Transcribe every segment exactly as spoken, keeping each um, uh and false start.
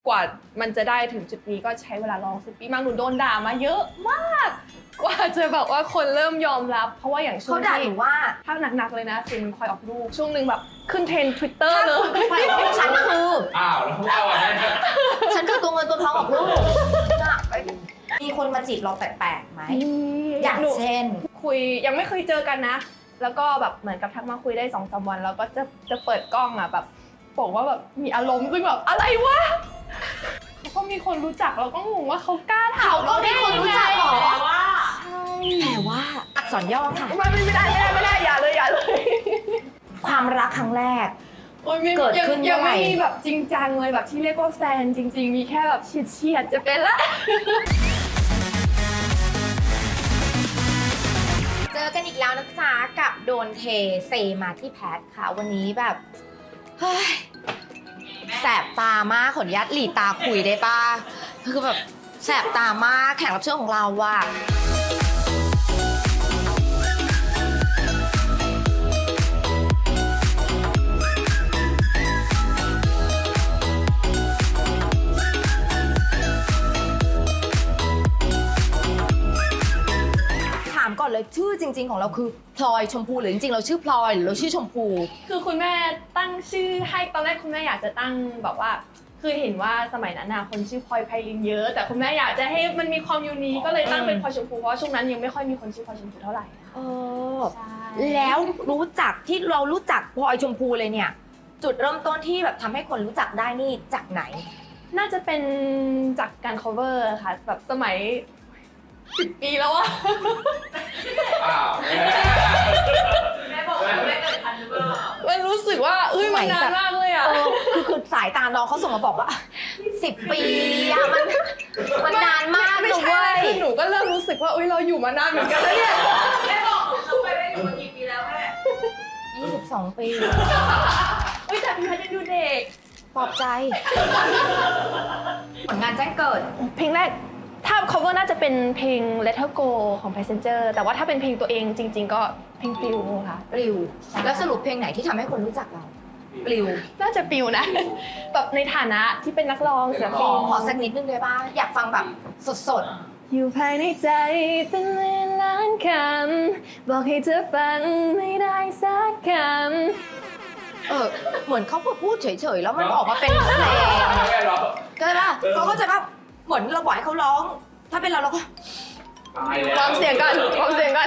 กว่ามันจะได้ถึงจุดนี้ก็ใช้เวลาลองสิบปีมากหนูโดนด่ามาเยอะมากกว่าจะแบบว่าคนเริ่มยอมรับเพราะว่าอย่างช่วงเขาด่าหนูว่าถ้าหนักๆเลยนะซินคอยออกลูกช่วงหนึ่งแบบขึ้นเทรนด์ Twitter เลยถ้าคุณไปออกลูกฉันคืออ้าวแล้วเอาอะไรเนี่ยฉันคือตัวเงินตัวทองออกลูกมีคนมาจีบเราแปลกๆไหมอย่างเช่นคุยยังไม่เคยเจอกันนะแล้วก็แบบเหมือนกับทักมาคุยได้สองสามวันแล้วก็จะจะเปิดกล้องอ่ะแบบบอกว่าแบบมีอารมณ์ซึ่งแบบอะไรวะแล้วก็มีคนรู้จักเราก็งงว่าเขากล้าถามเขาก็มีคนรู้จักหรอใช่แต่ว่าอักษรย่อค่ะไม่ไม่ได้ไม่ได้ไม่ได้อย่าเลยอย่าเลยความรักครั้งแรกเกิดขึ้นยังไม่มีแบบจริงจังเลยแบบที่เรียกว่าแฟนจริงๆมีแค่แบบเฉียดเฉียดจะเป็นละเจอกันอีกแล้วนะจ๊ะกับโดนเทเซมาที่แพทค่ะวันนี้แบบเฮ้ยแสบตามากขออนุญาตหลีตาคุยได้ป่ะคือแบบแสบตามากแขกรับเชิญของเราว่ะก่อนเลยชื่อจริงๆของเราคือพลอยชมพูหรือจริงๆเราชื่อพลอยหรือเราชื่อชมพูคือคุณแม่ตั้งชื่อให้ตอนแรกคุณแม่อยากจะตั้งแบบว่าคือเห็นว่าสมัยนั้นนะคนชื่อพลอยไพลินเยอะแต่คุณแม่อยากจะให้มันมีความยูนิคก็เลยตั้งเป็นพลอยชมพูเพราะช่วงนั้นยังไม่ค่อยมีคนชื่อพลอยชมพูเท่าไหร่เออแล้วรู้จักที่เรารู้จักพลอยชมพูเลยเนี่ยจุดเริ่มต้นที่แบบทำให้คนรู้จักได้นี่จากไหนน่าจะเป็นจากการ cover ค่ะแบบสมัยสิบปีแล้วอะอ้าวแม่บอกว่าแม่เกิดทันหรือเปล่ามันรู้สึกว่าเอ้ยมันนานมากเลยอะคือคือสายตาน้องเขาส่งมาบอกว่าสิบปีอะมันมันนานมากไม่ใช่คือหนูก็เริ่มรู้สึกว่าเอ้ยเราอยู่มานานเหมือนกันแล้วเนี่ยแม่บอกหนูทำไปได้อยู่มากี่ปีแล้วแม่ยี่สิบสองปีเฮ้ยแต่พี่พัดยังดูเด็กปลอบใจผลงานแจ้งเกิดเพลงแรกถ้า cover น่าจะเป็นเพลง Let Her Go ของ Passenger แต่ว่าถ้าเป็นเพลงตัวเองจริงๆก็เพลงปลิวค่ะปลิวแล้วสรุปเพลงไหนที่ทำให้คนรู้จักเราปลิวน่าจะปลิวนะแบบในฐานะที่เป็นนักร้องเสียงเพลงขอสักนิดนึงได้ป่ะอยากฟังแบบสดๆอยู่ภายในใจเป็นล้านคำบอกให้เธอฟังไม่ได้สักคำเออเหมือนเขาพูดเฉยๆแล้วมันออกมาเป็นเพลงก็ได้ป่ะเขาเข้าใจป่ะเหมือนเราบอกให้เขาร้องถ้าเป็นเราเราก็วางเสียงกันวางเสียงกัน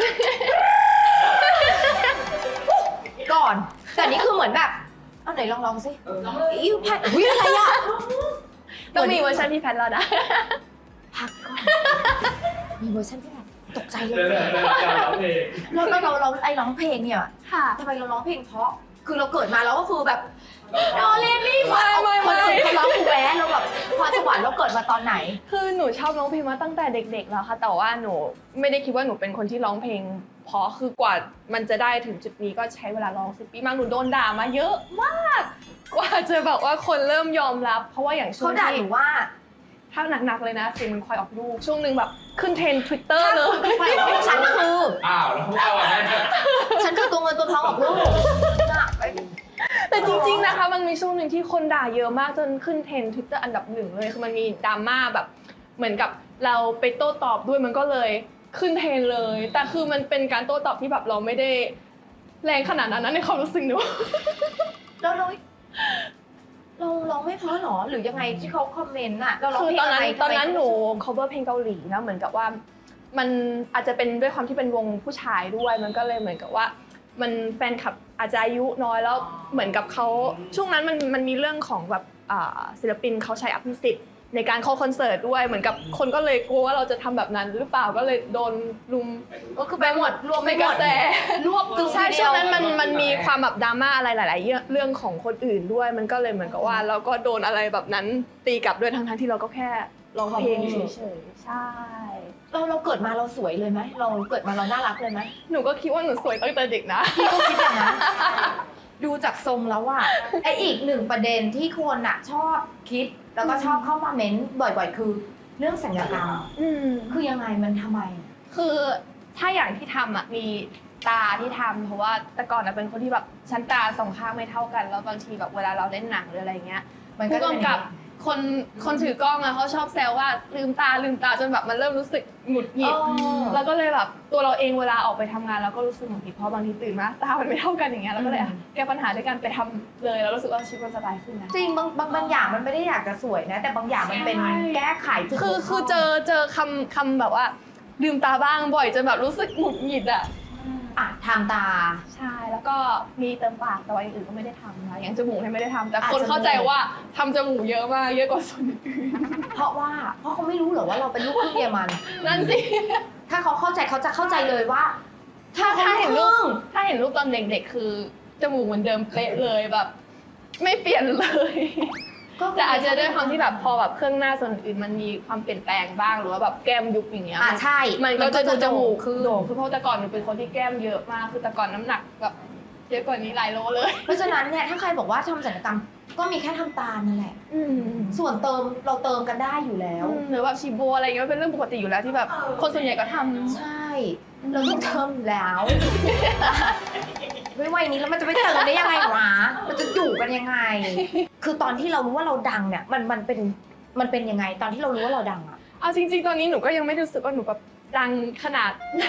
ก่อนแต่นี่คือเหมือนแบบเอาไหนลองลองสิอิ้วแพทอุ้ยอะไรอ่ะต้องมีเวอร์ชันพี่แพทแล้วนะพักก่อนมีเวอร์ชันพี่แพทตกใจเลยเราเราเราไอ้ร้องเพลงเนี่ยทำไมเราร้องเพลงเพราะคือเราเกิดมาเราก็คือแบบโนเลนี่ฟังคนอื่นเขาร้องคูแวะเราแบบพรสวรรค์เราเกิดมาตอนไหนคือหนูชอบร้องเพลงมาตั้งแต่เด็กๆแล้วค่ะแต่ว่าหนูไม่ได้คิดว่าหนูเป็นคนที่ร้องเพลงเพราะคือกว่ามันจะได้ถึงจุดนี้ก็ใช้เวลาร้องสิบปีมากหนูโดนด่ามาเยอะมากกว่าจะแบบว่าคนเริ่มยอมรับเพราะว่าอย่างช่วงเขาด่าหนูว่าถ้าหนักๆเลยนะซินคอยออกลูกช่วงหนึ่งแบบขึ้นเทรนด์ Twitter เลยถ้าคุณไปออกลูกฉันคืออ้าวแล้วเอาอะไรเนี่ยฉันคือตัวเงินตัวทองออกลูกแต่จริงๆนะคะมันมีช่วงหนึ่งที่คนด่าเยอะมากจนขึ้นเทรนด์ Twitter อันดับหนึ่งเลยคือมันมีดราม่าแบบเหมือนกับเราไปโต้ตอบด้วยมันก็เลยขึ้นเทรนด์เลยแต่คือมันเป็นการโต้ตอบที่แบบเราไม่ได้แรงขนาดนั้นนะในความรู้สึกหนูเราเราเราร้องไม่เพราะหรอหรือยังไงที่เขาคอมเมนต์อะเราร้องเพลงอะไรตอนนั้นหนู cover เพลงเกาหลีนะเหมือนกับว่ามันอาจจะเป็นด้วยความที่เป็นวงผู้ชายด้วยมันก็เลยเหมือนกับว่ามันแฟนคลับอาจจะอายุน้อยแล้วเหมือนกับเขาช่วงนั้นมันมันมีเรื่องของแบบศิลปินเขาใช้อภิสิทธิ์ในการเข้าคอนเสิร์ตด้วยเหมือนกับคนก็เลยกลัวว่าเราจะทำแบบนั้นหรือเปล่าก็เลยโดนลุมก็คือไปหมดรวมในกระแสรวบตึงใช่ช่วงนั้นมันมันมีความแบบดราม่าอะไรหลายๆเรื่องของคนอื่นด้วยมันก็เลยเหมือนกับว่าเราก็โดนอะไรแบบนั้นตีกลับด้วยทั้งๆที่เราก็แค่ร้องเพลงเฉยๆใช่เราเราเกิดมาเราสวยเลยไหมเราเกิดมาเราน่ารักเลยไหมหนูก็คิดว่าหนูสวยตั้งแต่เด็กนะพี่ก็คิดอย่างนั้นดูจากทรงแล้วว่าไออีกหนึ่งประเด็นที่คนอะชอบคิดแล้วก็ชอบเข้ามาเม้นบ่อยๆคือเรื่องศัลยกรรมคือยังไงมันทำไมคือถ้าอย่างที่ทำอะมีตาที่ทำเพราะว่าแต่ก่อนเป็นคนที่แบบชั้นตาสองข้างไม่เท่ากันแล้วบางทีแบบเวลาเราเล่นหนังหรืออะไรเงี้ยผู้กำกับคนคนถือกล้องอะเขาชอบแซวว่าลืมตาลืมตาจนแบบมันเริ่มรู้สึกหงุดหงิดอ๋อแล้วก็เลยแบบตัวเราเองเวลาออกไปทำงานเราก็รู้สึกหงุดหงิดเพราะบางทีตื่นมาตามันไม่เท่ากันอย่างเงี้ยเราก็เลยอ่ะแก้ปัญหาด้วยการไปทำเลยแล้วรู้สึกว่าชีวิตมันสบายขึ้นนะจริงบางบางบางอย่างมันไม่ได้อยากจะสวยนะ แต่บางอย่างมันเป็นใช่แก้ไขจุดคือบกพร่งคือเจอเจอคำคำแบบว่าลืมตาบ้างบ่อยจนแบบรู้สึกหงุดหงิดอะอ่ะทางตาใช่แล้วก็มีเติมปากแต่ว่าอย่างอื่นก็ไม่ได้ทำนะอย่างจมูกเนี่ยไม่ได้ทำแต่อ่ะคนจมูกเข้าใจว่าทำจมูกเยอะมากเยอะกว่าส่วนอื่นเพราะว่าเพราะเขาไม่รู้เหรอว่าเราเป็นลูกครึ่งเยอรมันนั่นสิถ้าเขาเข้าใจเขาจะเข้าใจเลยว่า ถ้าถ้าเขาเห็เห็นนรูลูปกถ้าเห็นรูปตอนเด็กๆคือจมูกเหมือนเดิมเป๊ะเลยแบบ ไม่เปลี่ยนเลย แต่อาจจะด้วยความที่แบบพอแบบเครื่องหน้าส่วนอื่นมันมีความเปลี่ยนแปลงบ้างหรือว่าแบบแก้มยุบอย่างเงี้ยอ่ะใช่มันก็จะดูจมูกคือโด่งคือเพราะแต่ก่อนหนูเป็นคนที่แก้มเยอะมากคือแต่ก่อนน้ำหนักแบบเยอะกว่านี้หลายโลเลยเพราะฉะนั้นเนี่ยถ้าใครบอกว่าทำศัลยกรรมก็มีแค่ทำตานั่นแหละอืมส่วนเติมเราเติมกันได้อยู่แล้วหรือแบบฉีดโบอะไรเงี้ยเป็นเรื่องปกติอยู่แล้วที่แบบคนส่วนใหญ่ก็ทำใช่ เราต้องเติมอยู่แล้ว ไม่วัยนี้แล้วมันจะไม่เติมได้ยังไงวะมันจะอยู่กันยังไง คือตอนที่เรารู้ว่าเราดังเนี่ยมันมันเป็นมันเป็นยังไงตอนที่เรารู้ว่าเราดังอะเอาจริงๆตอนนี้หนูก็ยังไม่รู้สึกว่าหนูแบบดังขนาดนั้น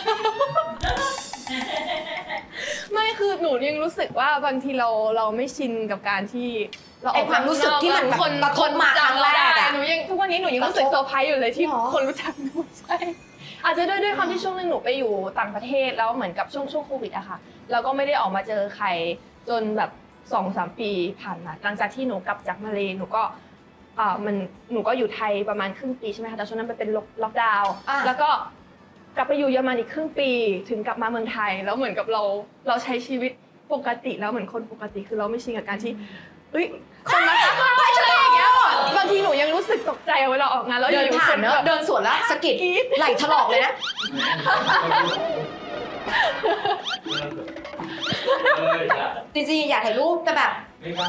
ไม่คือหนูยังรู้สึกว่าบางทีเราเราไม่ชินกับการที่เราอไออกความรู้สึกที่มันคนกระทบมาครั้งแรกได้อะหนูยังทุกวันนี้หนูยังรู้สึกกระทบเซอร์ไพรส์อยู่เลยที่หรอคนรู้จักหนูใช่อาจจะด้วยด้วยความที่ช่วงนึงหนูไปอยู่ต่างประเทศแล้วเหมือนกับช่วงช่วงโควิดอะค่ะแล้วก็ไม่ได้ออกมาเจอใครจนแบบสองสามปีผ่านมาหลังจากที่หนูกลับจากมาเลหนูก็อ่ามันหนูก็อยู่ไทยประมาณครึ่งปีใช่ไหมคะแต่ช่วงนั้นมันเป็นล็อกดาวน์อ่ะแล้วก็กลับไปอยู่เยอรมันอีกครึ่งปีถึงกลับมาเมืองไทยแล้วเหมือนกับเราเราใช้ชีวิตปกติแล้วเหมือนคนปกติคือเราไม่ชินกับการที่เฮ้ยคนมาทักเราอะไรอย่างเงี้ยบางทีหนูยังรู้สึกตกใจเวลาออกงานแล้วเดินอยู่ๆผ่าคน นเนอะแบบเดินสวนแล้วสะกิดไหล่ถลอกเลยนะเอออย่าจริงๆอยากถ่ายรูปแต่แบบไม่กล้า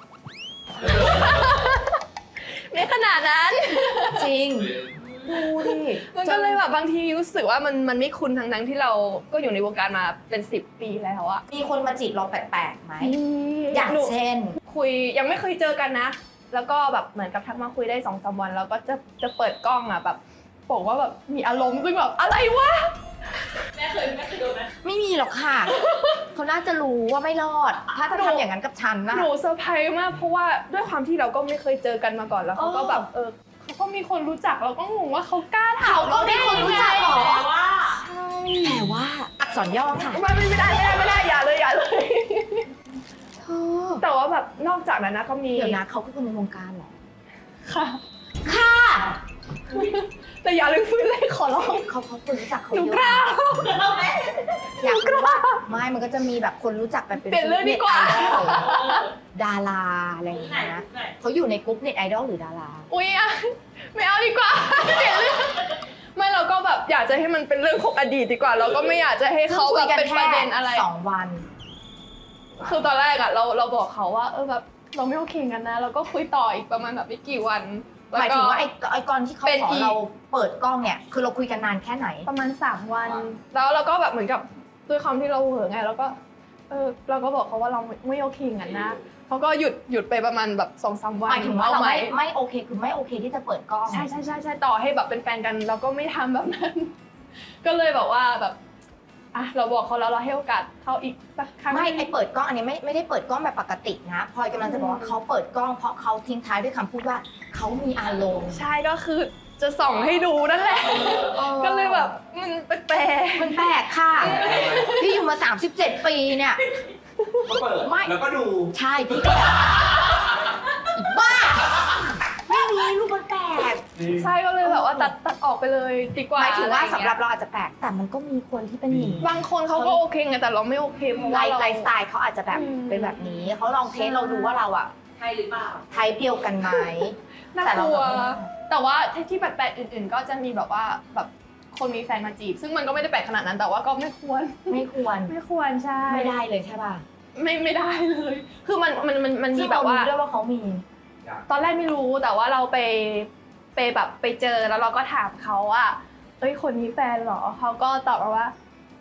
ไม่ขนาดนั้นจริงดูดิมันก็เลยแบบบางทีรู้สึกว่ามันมันไม่คุ้นทั้งนั้นที่เราก็อยู่ในวงการมาเป็นสิบปีแล้วอะมีคนมาจีบเราแปลกๆไหมออย่างเช่นคุยยังไม่เคยเจอกันนะ แล้วก็แบบเหมือนกับทักมาคุยได้สองสามวันแล้วก็จะจะเปิดกล้องอะแบบบอกว่าแบบมีอารมณ์ซึ่งแบบอะไรวะแม่เคยแม่เคยโดนไหมไม่มีหรอกค่ะ เขาน่าจะรู้ว่าไม่รอด ถ้าจะทำอย่างนั้นกับฉันนะหนูเซอร์ไพรส์มากเพราะว่าด้วยความที่เราก็ไม่เคยเจอกันมาก่อนแล้วเขาก็แบบเออเขาก็มีคนรู้จักเราก็งงว่าเขากล้าถามเขาก็มีคนรู้จักเหรอแต่ว่าใช่แต่ว่าอักษรย่อค่ะไม่ไม่ได้ไม่ได้ไม่ได้อย่าเลยอย่าเลยเธอแต่ว่าแบบนอกจากนั้นนะก็มีเดี๋ยวนะเขาคือคนในวงการเหรอค่ะค่ะแต่อย่าลืมฟื้นเลยขอร้องเขาเขาคนรู้จักเขาหนูเยกล้าอะอยากรู้ว่าไม่มันก็จะมีแบบคนรู้จักแบบเป็นเปลี่ยนเรื่องดีกว่าเน็ตไอดอลดาราอะไรอย่างไหนเงี้ยไหนเขาอยู่ในกลุ่มเน็ตไอดอลหรือดาราอุ๊ยอะไม่เอาดีกว่าเปลี่ยนเรื่องไม่เราก็แบบอยากจะให้มันเป็นเรื่องของอดีตดีกว่า เราก็ไม่อยากจะให้เขาแบบเป็นประเด็นอะไรสองวันคือตอนแรกอะเราเราบอกเขาว่าเออแบบเราไม่โอเคกันนะเราก็คุยต่ออีกประมาณแบบไม่กี่วันหมายถึงว่าไอ้ไอ้กรที่เขาเป็นขออีกเราเปิดกล้องเนี่ย คือเราคุยกันนานแค่ไหนประมาณสามวัน แล้วเราก็แบบเหมือนกับด้วยความที่เราเหอะไงเราก็เออเราก็บอกเขาว่าเราไม่โอเคกันนะเขาก็หยุดหยุดไปประมาณแบบสองสามวันหมายถึงว่าเราอไหมไม่ไม่โอเคคือไม่โอเคที่จะเปิดกล้องใช่ใช่ใช่ใช่ต่อให้แบบเป็นแฟนกันเราก็ไม่ทำแบบนั้น ก็เลยแบบว่าแบบอ่ะเราบอกเขาแล้วเราให้โอกาสเขาอีกสักครั้งไม่ไอเปิดกล้องอันนี้ไม่ไม่ได้เปิดกล้องแบบปกตินะพลอยกำลังจะบอกว่าเขาเปิดกล้องเพราะเขาทิ้งท้ายด้วยคำพูดว่าเขามีอารมณ์ใช่ก็คือจะส่องให้ดูนั่นแหละ ก็เลยแบบมันแปลกมันแปลกค่ะ พี่อยู่มาสามสิบเจ็ดปีเนี่ยก็เปิดไม่แล้วก็ดูใช่พี่ก็อีบ้าไม่มีรูปมันแปลกๆใช่ก็เลยแบบว่าตัดตัดออกไปเลยดีกว่าหมายถึงว่าอะไอย่สำเงี้ยหรับเราอาจจะแปลกแต่มันก็มีคนที่เป็นหนีบางคนเขาก็โอเคไงแต่เราไม่โอเคเพราะไลว่าฟ์เราไลฟ์สไตล์เขาอาจจะแบบอืมเป็นแบบนี้เขาลองเทสเราดูว่าเราอะใช่หรือเปล่าไทป์เดียวกันไหมน่าแต่กเราลัวแบบแต่ว่าที่แปลกๆอื่นๆ ก็จะมีแบบว่าแบบคนมีแฟนมาจีบ ซึ่งมันก็ไม่ได้แปลกขนาดนั้นแต่ว่าก็ไม่ควรไม่ควรไม่ควรใช่ไม่ได้เลยใช่ป่ะไม่ไม่ได้เลย คือมันมันมันมันมีซึ่งแบเราบว่ารู้ด้วยว่าเขามีตอนแรกไม่รู้แต่ว่าเราไปไปแบบไปเจอแล้วเราก็ถามเขาว่าเอ้ยคนนี้แฟนเหรอเขาก็ตอบมาว่า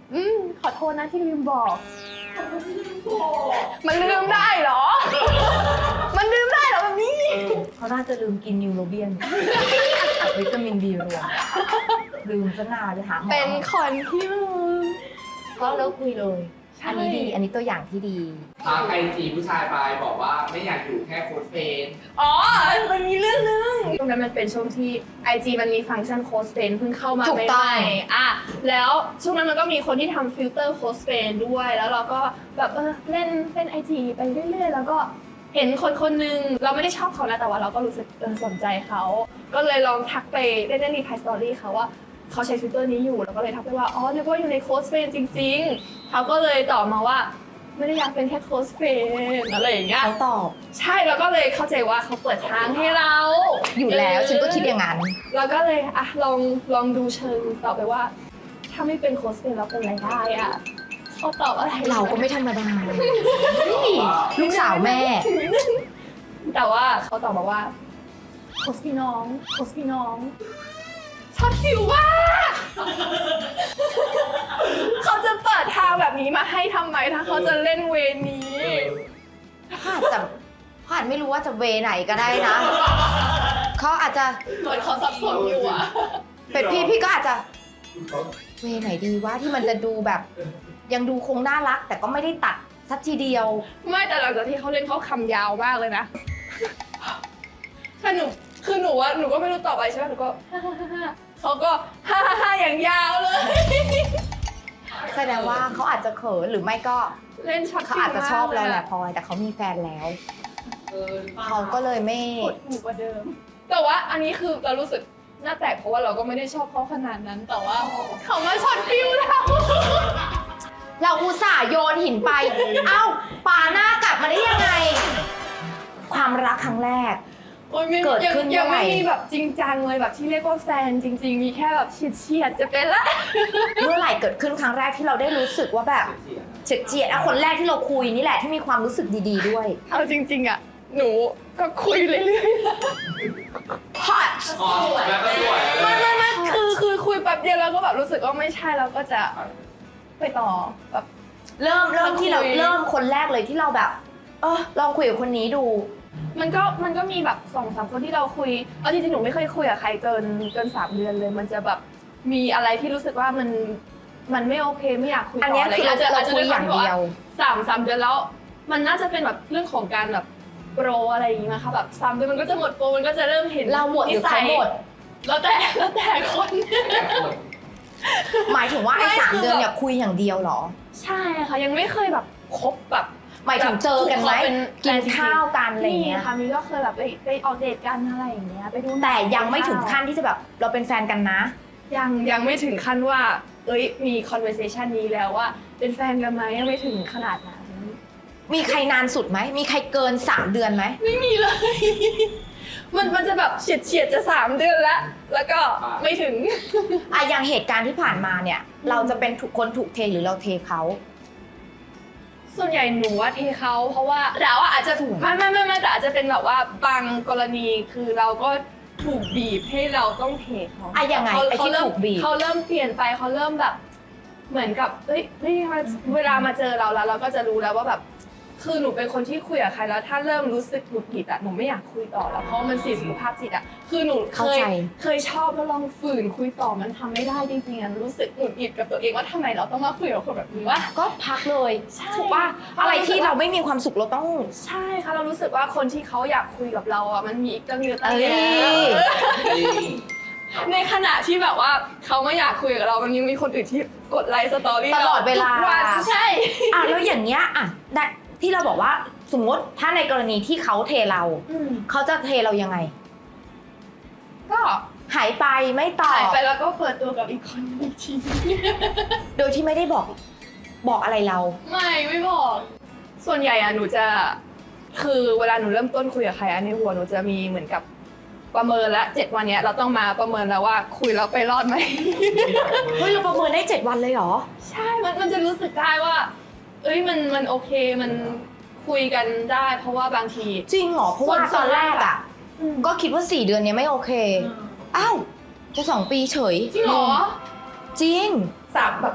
อืมขอโทษนะที่ลืมบอก มันลืมได้เหรอ มันลืมได้เหรอแบบนี้เขาน่าจะลืมกินนิวโรเบียนกับวิตามินบีรวมลืมซะนานเลยหาหมอเป็นคนที่ลืมก็เลิกคุยเลยใช่อันนี้ดี อันนี้ตัวอย่างที่ดีทักไอจีผู้ชายไปบอกว่าไม่อยากอยู่แค่โค้ชเฟนอ๋อ มันมีเรื่องนึงตรงนั้นมันเป็นช่วงที่ ไอ จี มันมีฟังก์ชันโค้ชเฟนเพิ่งเข้ามาถูกใหต้องม่ๆอ่ะแล้วช่วงนั้นมันก็มีคนที่ทำฟิลเตอร์โค้ชเฟนด้วย แล้วเราก็แบบเออเล่นเล่น ไอ จี ไปเรื่อยๆ แล้วก็เห็นคนคนหนึงเราไม่ได้ชอบเขานะแต่ว่าเราก็รู้สึกเออสนใจเขา ก็เลยลองทักไปเล่นเล่นรีพายสตอรี่เขาว่าเขาใช้ฟิลเตอร์นี้อยู่แล้วก็เลยทักไปว่าอ๋อนึกว่าอยู่ในโค้ชเฟนจริงๆเขาก็เลยตอบมาว่าไม่ได้อยากเป็นแค่โค้ชเฟนอะไรอย่างเงี้ยเขาตอบใช่แล้วก็เลยเข้าใจว่าเขาเปิดทางให้เราอยู่แล้วฉันก็คิดอย่างนั้นเราก็เลยอ่ะลองลองดูเชิงต่อไปว่า ถ้าไม่เป็นโค้ชเฟนเราเป็นอะไรได้อ่ะเขาตอบอะไรเราก็ไม่ธรรมดานี่ลูกสาวแม่แต่ว่าเขาตอบมาว่าโค้ชพี่น้องโค้ชพี่น้องชอบคิวมากเขาจะเปิดทางแบบนี้มาให้ทำไมถ้าเขาจะเล่นเวนี้เขาอาจจะเขาอาจไม่รู้ว่าจะเวไหนก็ได้นะ เขาอาจจะเหมือนเขาสับสนอยู่อ่ะเป็นพี่พี่ก็อาจจะเวไหนดีวะที่มันจะดูแบบ ยังดูคงน่ารัก แต่ก็ไม่ได้ตัดสักทีเดียวไม่แต่หลังจากที่เขาเล่นเขาคำยาวมากเลยนะถ้าหนูคือหนูว่าหนูก็ไม่รู้ต่อไปใช่ไหมหนูก็ฮ่าฮ่าฮ่าเขาก็ฮ่าฮ่าฮ่าอย่างยาวเลยแสดงว่าเขาอาจจะเขินหรือไม่ก็เล่นช็อตเขาอาจจะชอบเราแหละพลอยแต่เขามีแฟนแล้วเออเขาก็เลยไม่กดหูกว่าเดิม แต่ว่าอันนี้คือเรารู้สึกหน้าแตกเพราะว่าเราก็ไม่ได้ชอบเขาขนาดนั้น แต่ว่าเขามาช็อตฟิวเราเราอุตส่าห์โยนหินไป เอ้าป่าหน้ากลับมาได้ยังไง ความรักครั้งแรกโอ้ยไม่เกิดยังขึ้นยังเมื่อไหร่ไม่มีแบบจริงจังเลยแบบที่เรียกว่าแฟนจริง ๆ มีแค่แบบเฉียดเฉียดๆจะเป็นละเมื่อไหร่เกิดขึ้นครั้งแรกที่เราได้รู้สึกว่าแบบเฉียดเฉียดๆอะคนแรกที่เราคุยนี่แหละที่มีความรู้สึกดีๆด้วยเอาจริง ๆอ่ะหนูก็คุยเรื่อยๆ hot อ๋อแล้วก็สวยไม่ไม่ไม่คือคือคุยแป๊บเดียวแล้วก็แบบรู้สึกว่าไม่ใช่แล้วก็จะไปต่อแบบเริ่มเริ่มที่เราคุยเริ่มคนแรกเลยที่เราแบบเออลองคุยกับคนนี้ดูมันก็มันก็มีแบบสองสามคนที่เราคุยเอาจริงๆหนูไม่เคยคุยกับใครเกินเกินสามเดือนเลย มันจะแบบมีอะไรที่รู้สึกว่ามันมันไม่โอเคไม่อยากคุยต่อันเนี้ยะไรคือเราจจะเราจจะคุยอย่างเดียวสามสามเดือนแล้ว มันน่าจะเป็นแบบเรื่องของการแบบโปรอะไรอย่างงี้มั้งคะแบบสามเดือนมันก็จะหมดโปรมันก็จะเริ่มเห็นเราหมดหรือเขาหมดแล้วแต่แล้วแต่คนหมายถึงว่าไอ้ไม่สามคือเดือนแบบเนี่ยคุยอย่างเดียวเหรอใช่ค่ะยังไม่เคยแบบคบแบบหมายถึงเจอกันไหมแบบกินข้าวกันอะไรมีเงี้ยค่ะมีก็เคยแบบไปไปออกเดทกันอะไรอย่างเงี้ยไปดูหนัแต่ยังไม่ถึงขั้นที่จะแบบเราเป็นแฟนกันนะยังยังไม่ถึงขั้นว่า เอ้ยมี conversation นี้แล้วว่า เป็นแฟนกันไหมยังไม่ถึงขนาดนั้นมีใครนานสุดไหมมีใครเกินสามเดือนไหมไม่มีเลย มันมันจะแบบเฉียดเฉียดๆจะสามเดือนแล้วแล้วก็ไม่ถึงอะอย่างเหตุการณ์ที่ผ่านมาเนี่ย เราจะเป็นถูกคนถูกเทหรือเราเทเขาส่วนใหญ่หนูว่าเทเขาเพราะว่าเราอะอาจจะถูกไม่ไม่ไม่ไม่แต่อาจจะเป็นแบบว่าบางกรณีคือเราก็ถูกบีบให้เราต้องเทเขาอะยังไงเขาไอ้ที่เขาเริ่มถูกบีบเขาเริ่มเปลี่ยนไปเขาเริ่มแบบ เหมือนกับเฮ้ยเฮ้ยมาเวลามาเจอเราแล้ว เราก็จะรู้แล้วว่าแบบ คือหนูเป็นคนที่คุยกับใครแล้วถ้าเริ่มรู้สึกหงุดหงิดอะหนูไม่อยากคุยต่อแล้วเพราะมันเสียสุขภาพจิตอะคือหนูเคเข้าย ใจเคยชอบแล้วลองฝืนคุยต่อมันทำไม่ได้จริงๆอะรู้สึกหงุดหงิดกับตัวเองว่าทำไมเราต้องมาคุยกับคนแบบนี้วะก็พักเลยใช่ถูกป่ะอะไรที่เราไม่มีความสุขเราต้องใช่ค่ะเรารู้สึกว่าคนที่เขาอยากคุยกับเราอ่ะมันมีอีกตั้งเยอะตั้งเอ้แยะยในขณะที่แบบว่าเขาไม่อยากคุยกับเรามันยังมีคนอื่นที่กดไลค์สตอรี่ตลอดเวลาทุกนใช่อ่ะแล้วอย่างเงี้ยอ่ะได้ที่เราบอกว่าสมมติถ้าในกรณีที่เขาเทเราอืมเขาจะเทเรายังไงก็หายไปไม่ตอหายบไปแล้วก็เปิดตัวกับอีกคนนึงอีกทีโดยที่ไม่ได้บอกบอกอะไรเราไม่ไม่บอก ส่วนใหญ่อะหนูจะคือเวลาหนูเริ่มต้นคุยกับใครอะในหัวหนูจะมีเหมือนกับประเมินละเจ็ดวันเนี้ยเราต้องมาประเมินแล้วว่าคุยแล้วไปรอดไหมเฮ้ยเราประเมินได้เจ็ดวันเลยเหรอใช่ มันมันจะรู้สึกได้ว่า เอ้ย มัน มันโอเค มันคุยกันได้ เพราะว่าบางทีจริงเหรอ เพราะว่าส่วนตอนแรกอ่ะอืมก็คิดว่าสี่เดือนเนี้ยไม่โอเค อ้าว จะสองปีเฉยจริงเหรอจริงสามแบบ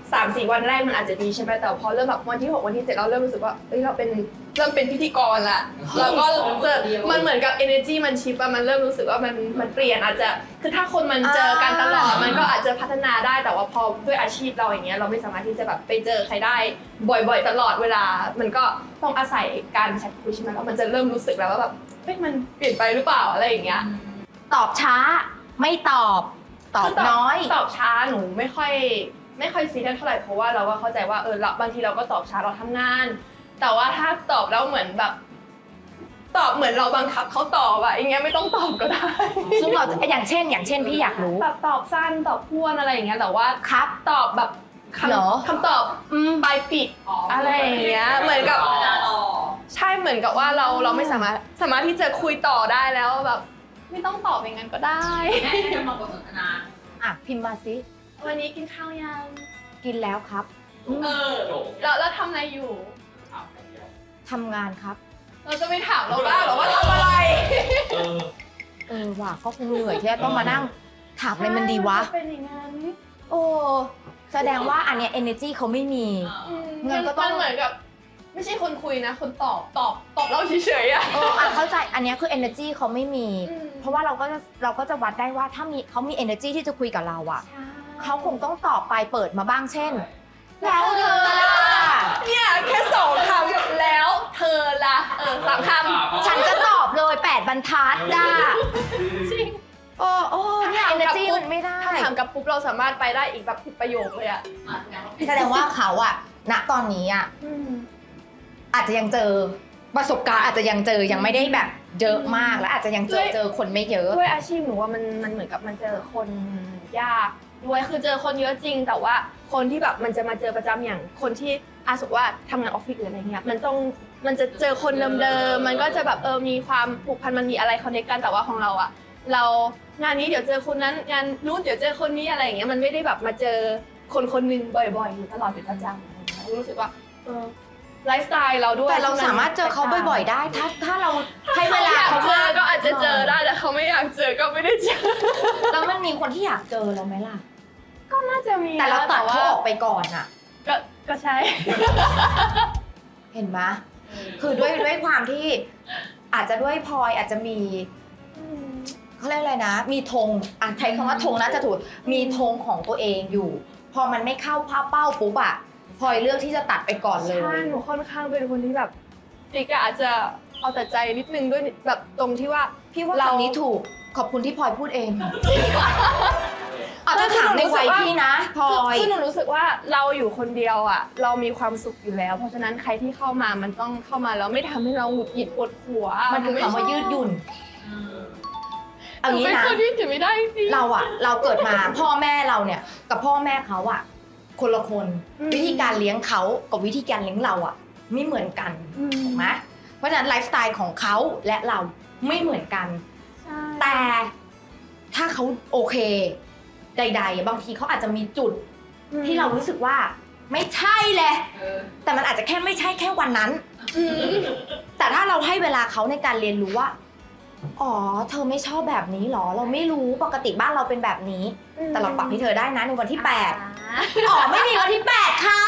สามสี่วันแรกมันอาจจะดีใช่ไหมแต่พอเริ่มแบบวันที่หกวันที่เจ็ดเราเริ่มรู้สึกว่าเอ้ยเราเป็นเริ่มเป็นพิธีกรละแล้วก็เจอมันเหมือนกับ energy มันชิปอะมันเริ่มรู้สึกว่ามันมันเปลี่ยนอาจจะคือถ้าคนมันเจอกันตลอดมันก็อาจจะพัฒนาได้แต่ว่าพอด้วยอาชีพเราอย่างเงี้ยเราไม่สามารถที่จะแบบไปเจอใครได้บ่อยๆตลอดเวลามันก็ต้องอาศัยการแชทคุยใช่ไหมแล้วมันจะเริ่มรู้สึกแล้วว่าแบบเฮ้ยมันเปลี่ยนไปหรือเปล่าอะไรอย่างเงี้ยตอบช้าไม่ตอบตอบน้อยตอบช้าหนูไม่ค่อยไม่ค่อยซีเรียสเท่าไหร่เพราะว่าเราก็เข้าใจว่าเออเราบางทีเราก็ตอบช้าเราทำงาน แต่ว่าถ้าตอบแล้วเหมือนแบบ ตอบเหมือนเราบังคับเขาตอบอะอย่างเงี้ยไม่ต้องตอบก็ได้ซึ่งเราอย่างเช่น อย่างเช่นพี่อยากรู้แบบตอบสั้นตอบพ้วนอะไรอย่างเงี้ยแต่ว่าครับตอบแบบเหรอคำคำตอบปลายปิดอะไรอย่างเงี้ยเหมือนกับใช่เหมือนกับว่าเราเราไม่สามารถสามารถที่จะคุยต่อได้แล้วแบบไม่ต้องตอบอย่างนั้นก็ได้แม่จะมาบทสนทนาอ่ะพิมพ์มาสิวันนี้กินข้าวยังกินแล้วครับเออแล้วแล้วทำอะไรอยู่ทำงานครับเราจะไม่ถามเราบ้างเหรอว่าทำอะไรเออเออว่ะก็คงเหนื่อยที่จะต้องมานั่งถามอะไรมันดีวะเป็นอย่างนั้นโอ้แสดงว่าอันเนี้ย energy เขาไม่มีอืมงั้นก็ต้องมันเหมือนกับ ไม่ใช่คนคุยนะ คนตอบตอบตอบเราเฉยๆอะเอออ่ะเข้าใจอันเนี้ยคือ energy เขาไม่มีอืมเพราะว่าเราก็จะเราก็จะวัดได้ว่าถ้ามีเขามี energy ที่จะคุยกับเราอะเขาคงต้องตอบไปเปิดมาบ้างเช่น แล้วเธอล่ะเนี่ยแค่สองคำแล้วเธอละเออสามคำฉันจะตอบเลยแปดบรรทัดด่าจริงโอ้โอ้เนี่ย energy มันไม่ได้ถ้าถามกับปุ๊บเราสามารถไปได้อีกแบบสิบประโยคเลยอะแสดงว่าเขาอะณตอนนี้อะอาจจะยังเจอประสบการณ์อาจจะยังเจอยังไม่ได้แบบเยอะมากและอาจจะยังเจอเจอคนไม่เยอะด้วยอาชีพหนูว่ามันมันเหมือนกับมันเจอคนยากด้วยคือเจอคนเยอะจริง แต่ว่าคนที่แบบมันจะมาเจอประจำอย่างคนที่อาสุว่าทำงานออฟฟิศหรืออะไรเงี้ยมันต้องมันจะเจอคนเดิมๆมันก็จะแบบเออมีความผูกพันมันมีอะไรคอนเนคกันแต่ว่าของเราอะเรางานนี้เดี๋ยวเจอคนนั้นงานนู้นเดี๋ยวเจอคนนี้อะไรอย่างเงี้ยมันไม่ได้แบบมาเจอคนคนหนึงบ่อยๆอยู่ตลอดเป็นประจำอะไรเงี้ยรู้สึกว่าเออไลฟ์สไตล์เราด้วยแต่เราสามารถเจอเขาบ่อยๆได้ ถ้าถ้าเราให้เวลาเขาเจมาอก ก็อาจจะเจอได้แต่เขาไม่อยากเจอก็ไม่ได้เจอแล้วมันมีคนที่อยากเจอเราไหมล่ะก็น่าจะมีแต่เราตัดว่เขาออกไปก่อนอะก็ก็ใช่เห็นไหมคือด้วยด้วยความที่อาจจะด้วยพลอยอาจจะมีเขาเรียกอะไรนะ มีธงอ่ะใช้คำว่าธงน่าจะถูกมีธงของตัวเองอยู่ พอมันไม่เข้าภาพเป้าปุ๊บอะพลอยเลือกที่จะตัดไปก่อนเลยใช่หนูค่อนข้างเป็นคนที่แบบติ๊กอะอาจจะเอาแต่ใจนิดนึงด้วยแบบตรงที่ว่าพี่ว่าเราคำนี้ถูกขอบคุณที่พลอยพูดเองเอาถ้าถามในวัยพี่นะพลอยคือหนูรู้สึกว่าเราอยู่คนเดียวอะเรามีความสุขอยู่แล้ว เพราะฉะนั้นใครที่เข้ามามันต้องเข้ามาแล้วไม่ทำให้เราหงุดหงิดปวดหัวมันคือคำว่ายืดหยุ่นเอาเอางี้งี้นะนะคนที่ถือไม่ได้จริงเราอะเราเกิดมาพ่อแม่เราเนี่ยกับพ่อแม่เขาอะคนละคนอืมวิธีการเลี้ยงเขากับวิธีการเลี้ยงเราอะไม่เหมือนกันถูกไหมเพราะฉะนั้นไลฟ์สไตล์ของเขาและเราไม่เหมือนกันใช่แต่ถ้าเขาโอเค ใดๆ บางทีเขาอาจจะมีจุดที่เรารู้สึกว่าไม่ใช่เลยเออแต่มันอาจจะแค่ไม่ใช่แค่วันนั้นอืมแต่ถ้าเราให้เวลาเขาในการเรียนรู้ว่าอ๋อเธอไม่ชอบแบบนี้หรอ เราไม่รู้ปกติบ้านเราเป็นแบบนี้ แต่เราปรับให้เธอได้นะในวันที่แปดอ๋อไม่มีวันที่แปดค่ะ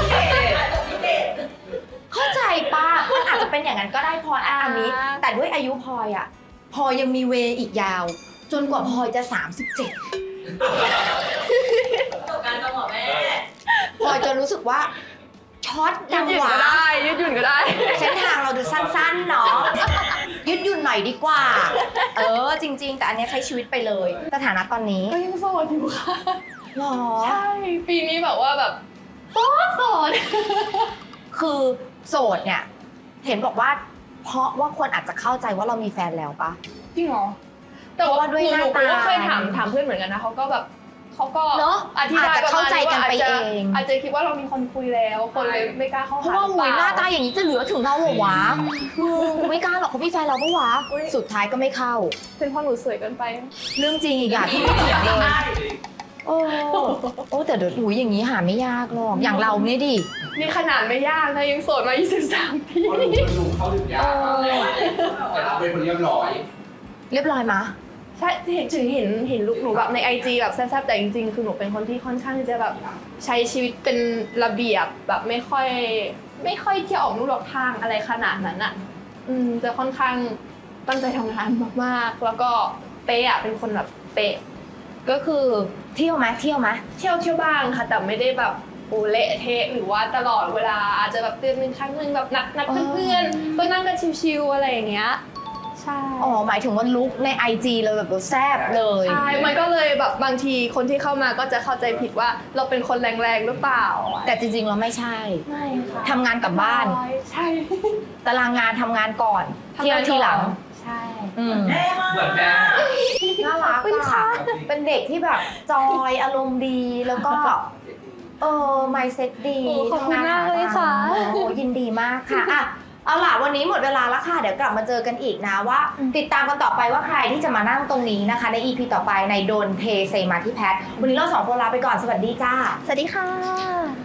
เข้าใจป่ะมันอาจจะเป็นอย่างนั้นก็ได้พลอยอะอันนี้ แต่ด้วยอายุพลอยอะพลอยยังมีเวอีกยาว จนกว่าพลอยจะสามสิบเจ็ดประสบการณ์ตรงเหรอแม่พลอยจะรู้สึกว่าช็อตยืดัดงหยุ่นหวาก็ได้ยืดหยุ่นก็ได้เส้นทางเราดูสั้นๆเนาะยืดหยุ่นหน่อยดีกว่า เออจริง ๆ แต่อันเนี้ยใช้ชีวิตไปเลยสถานะตอนนี้ก็ยังโสดอยู่ค่ะหรอใช่ปีนี้แบบว่าแบบโสดโสดคือโสดเนี่ย เห็นบอกว่า เพราะว่าคนอาจจะเข้าใจว่าเรามีแฟนแล้วปะจริงเหรอแต่เพราะว่าว่าด้วยหนูหน้าหนูตาก็เคยถามถามเพื่อนเหมือนกันนะเขาก็แบบเขาก็เนอะอธิบายอาจจะเข้าใจกันไประมาณว่าเองอาจจะคิดว่าเรามีคนคุยแล้วคนเลยไม่กล้าเข้าเพหาราะว่าหุยหน้าตารือเปล่อย่างนี้จะเหลือถึงเราเหรอวะมึงกูไม่กล้าหรอกเขามีแฟนเราปะวะอุ๊ยสุดท้ายก็ไม่เข้าเป็นเพราะหนูสวยเกินไปเรื่องจริงอีกอ่ะที่ไม่เถียงเลยโอ้โอ้แต่เดี๋ยวหุยอย่างนี้หาไม่ยากหรอกอย่างเราเนี่ยดินี่ขนาดไม่ยากนะยังโสดมายี่สิบสามปีเขาดูเขาดูเขาดูยากมากแต่เราเป็นคนเรียบร้อยเรียบร้อยมะใช่เห็นถึงเห็นเห็นลุคหนูแบบในไอจีแบบแซ่บๆแต่จริงๆคือหนูเป็นคนที่ค่อนข้างจะแบบใช้ชีวิตเป็นระเบียบแบบไม่ค่อยไม่ค่อยที่ออกลู่ออกทางอะไรขนาดนั้นอ่ะอืมจะค่อนข้างตั้งใจทำงานมากๆแล้วก็เป๊ะอะเป็นคนแบบเป๊ะก็คือเที่ยวไหมเที่ยวไหมเที่ยวเที่ยวบ้างค่ะแต่ไม่ได้แบบโอเละเทะหรือว่าตลอดเวลาอาจจะแบบเดือนหนึ่งครั้งหนึ่งแบบนัดนัดเพื่อนๆก็นั่งกันชิวๆอะไรอย่างเงี้ยใช่อ๋อหมายถึงว่าลุคใน ไอ จี เราแบบเราแซ่บเลยใช่มันก็เลยแบบบางทีคนที่เข้ามาก็จะเข้าใจผิดว่าเราเป็นคนแรงๆหรือเปล่าแต่จริงๆเราไม่ใช่ไม่ค่ะทำงานกลับบ้านใช่ตารางงานทำงานก่อนเที่ยวทีหลังใช่อืมเหมือนแม่น่ารักอะเป็นเด็กที่แบบจอยอารมณ์ดีแล้วก็เออ mindset ดีโอ้ขอบคุณทำงนมากเลยค่ะโอ้ยินดีมากค่ะอ่ะเอาล่ะวันนี้หมดเวลาแล้วค่ะเดี๋ยวกลับมาเจอกันอีกนะว่า ติดตามกันต่อไปว่าใครที่จะมานั่งตรงนี้นะคะใน อี พี ต่อไปในโดนเทเซมาที่แพทวันนี้เราสองคนลาไปก่อนสวัสดีจ้าสวัสดีค่ะ